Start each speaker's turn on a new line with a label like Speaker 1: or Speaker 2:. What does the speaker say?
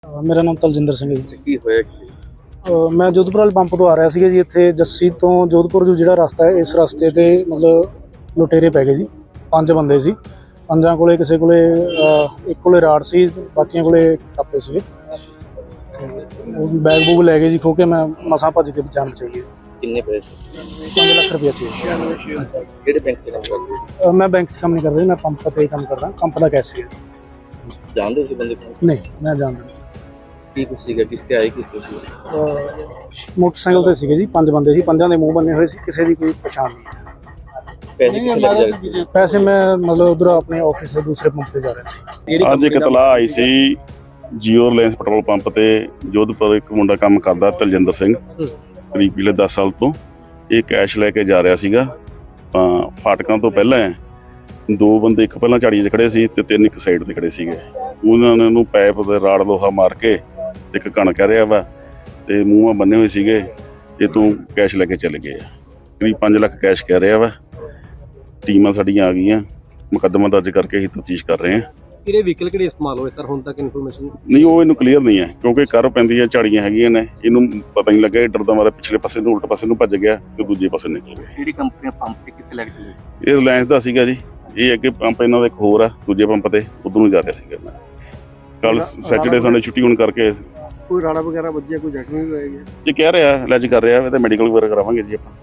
Speaker 1: ਮੇਰਾ ਨਾਮ ਤਲਜਿੰਦਰ ਸਿੰਘ ਹੈ ਜੀ।
Speaker 2: ਕੀ ਹੋਇਆ ਕੀ?
Speaker 1: ਮੈਂ ਜੋਧਪੁਰ ਵਾਲੇ ਪੰਪ ਤੋਂ ਆ ਰਿਹਾ ਸੀਗਾ ਜੀ। ਇੱਥੇ ਜੱਸੀ ਤੋਂ ਜੋਧਪੁਰ ਜੋ ਜਿਹੜਾ ਰਸਤਾ ਹੈ, ਇਸ ਰਸਤੇ ਤੇ ਮਤਲਬ ਲੁਟੇਰੇ ਪੈ ਗਏ ਜੀ। 5 ਬੰਦੇ ਸੀ। 5 ਕੋਲੇ ਕਿਸੇ ਕੋਲੇ ਇੱਕ ਕੋਲੇ ਰਾੜ ਸੀ, ਬਾਕੀਆਂ ਕੋਲੇ ਟਾਪੇ ਸੀਗੇ ਤੇ ਉਹ ਬੈਗ ਬੂਗ ਲੈ ਗਏ ਜੀ ਖੋ ਕੇ। ਮੈਂ ਮਸਾਂ ਭੱਜ ਕੇ ਜਾਣ ਚਾਹੀਏ।
Speaker 2: ਕਿੰਨੇ ਪੈਸੇ?
Speaker 1: 5 ਲੱਖ ਰੁਪਏ ਸੀ।
Speaker 2: ਕਿਹੜੇ ਬੈਂਕ ਤੇ ਕੰਮ ਕਰਦੇ ਹੋ?
Speaker 1: ਮੈਂ ਬੈਂਕ 'ਚ ਕੰਮ ਨਹੀਂ ਕਰਦਾ ਜੀ, ਮੈਂ ਪੰਪ ਤੇ ਕੰਮ ਕਰਦਾ, ਪੰਪ ਦਾ ਕੈਸ਼ੀਅਰ।
Speaker 2: ਜਾਣਦੇ ਹੋ ਤੁਸੀਂ ਬੰਦੇ ਨੂੰ?
Speaker 1: ਨਹੀਂ, ਮੈਂ ਜਾਣਦਾ ਨਹੀਂ।
Speaker 2: ਕੀ ਕੁਛ ਸੀਗਾ, ਕਿਸ ਤੇ ਆਏ, ਕਿਸ ਤੇ ਸੀ?
Speaker 1: ਮੋਟਰਸਾਈਕਲ ਤੇ ਸੀਗੇ ਜੀ। 5 ਬੰਦੇ ਸੀ, 5 ਦੇ ਮੂੰਹ ਬੰਨੇ ਹੋਏ ਸੀ, ਕਿਸੇ ਦੀ ਕੋਈ ਪਛਾਣ ਨਹੀਂ।
Speaker 2: ਪੈਸੇ ਕਿੱਥੇ ਲੱਗ ਜਾਏ?
Speaker 1: ਪੈਸੇ ਮੈਂ ਮਤਲਬ ਉਧਰ ਆਪਣੇ ਆਫਿਸ ਦੇ ਦੂਸਰੇ ਪੰਪ ਤੇ ਜਾ ਰਿਹਾ ਸੀ।
Speaker 3: ਅੱਜ ਇੱਕ ਇਤਲਾਹ ਆਈ ਸੀ ਜੀਓ ਰਿਲਾਇੰਸ ਪੈਟਰੋਲ ਪੰਪ ਤੇ ਜੋਧਪੁਰ ਇੱਕ ਮੁੰਡਾ ਕੰਮ ਕਰਦਾ ਤਲਜਿੰਦਰ ਸਿੰਘ, ਕਰੀਬ ਪਿਛਲੇ 10 ਸਾਲ ਤੋਂ। ਇਹ ਕੈਸ਼ ਲੈ ਕੇ ਜਾ ਰਿਹਾ ਸੀਗਾ ਤਾਂ ਫਾਟਕਾਂ ਤੋਂ ਪਹਿਲਾਂ 2 ਬੰਦੇ, ਇੱਕ ਪਹਿਲਾਂ ਝਾੜੀਆਂ 'ਚ ਖੜੇ ਸੀ ਤੇ 3 ਇੱਕ ਸਾਈਡ ਤੇ ਖੜੇ ਸੀਗੇ। ਉਹਨਾਂ ਨੇ ਉਹਨੂੰ ਪੈਪ ਤੇ ਰਾੜ ਲੋਹਾ ਮਾਰ ਕੇ ਇੱਕ ਕਣ ਕਹਿ ਰਿਹਾ ਵਾ ਤੇ ਮੂੰਹਾਂ ਬੰਨੇ ਹੋਏ ਸੀਗੇ। ਇਹ ਤੋਂ ਕੈਸ਼ ਲੈ ਕੇ ਚਲੇ ਗਏ ਆ। ਕਰੀਬ 5 ਲੱਖ ਕੈਸ਼ ਕਹਿ ਰਿਹਾ ਵਾ। ਟੀਮਾਂ ਸਾਡੀਆਂ ਆ ਗਈਆਂ, ਮੁਕੱਦਮਾ ਦਰਜ ਕਰਕੇ ਅਸੀਂ ਤਫਤੀਸ਼ ਕਰ ਰਹੇ ਹਾਂ।
Speaker 4: ਕਿਹੜੇ ਵਹੀਕਲ ਕਿਹੜੇ ਇਸਤੇਮਾਲ ਹੋਏ ਸਰ ਹੁਣ ਤੱਕ ਇਨਫੋਰਮੇਸ਼ਨ?
Speaker 3: ਨਹੀਂ, ਉਹ ਇਹਨੂੰ ਕਲੀਅਰ ਨਹੀਂ ਹੈ ਕਿਉਂਕਿ ਕਰ ਪੈਂਦੀ ਹੈ, ਝਾੜੀਆਂ ਹੈਗੀਆਂ ਨੇ, ਇਹਨੂੰ ਪਤਾ ਨਹੀਂ ਲੱਗਿਆ। ਡਰਦਾ ਮਾਰਾ ਪਿਛਲੇ ਪਾਸੇ ਨੂੰ, ਉਲਟ ਪਾਸੇ ਨੂੰ ਭੱਜ ਗਿਆ ਤੇ ਦੂਜੇ ਪਾਸੇ ਨਿਕਲ ਗਿਆ।
Speaker 2: ਕਿਹੜੀ ਕੰਪਨੀ ਪੰਪ ਤੇ ਕਿੱਥੇ ਲੱਗ ਚੁੱਕੀ?
Speaker 3: ਇਹ ਰਿਲਾਇੰਸ ਦਾ ਸੀਗਾ ਜੀ। ਇਹ ਅੱਗੇ ਪੰਪ ਇਹਨਾਂ ਦਾ ਇੱਕ ਹੋਰ ਆ ਦੂਜੇ ਪੰਪ ਤੇ, ਉਧਰ ਨੂੰ ਜਾ ਰਿਹਾ ਸੀਗਾ। ਮੈਂ ਕੱਲ ਸੈਚਰਡੇ ਸੰਡੇ ਛੁੱਟੀ ਹੋਣ ਕਰਕੇ
Speaker 4: ਕੋਈ ਰਾੜਾ ਵਗੈਰਾ ਵੱਜਿਆ, ਕੋਈ ਜ਼ਖਮੀ ਵੀ ਹੋਇਆ?
Speaker 3: ਇਹ ਕਹਿ ਰਿਹਾ, ਇਲਾਜ ਕਰ ਰਿਹਾ ਤੇ ਮੈਡੀਕਲ ਵਗੈਰਾ ਕਰਾਵਾਂਗੇ ਜੀ ਆਪਾਂ।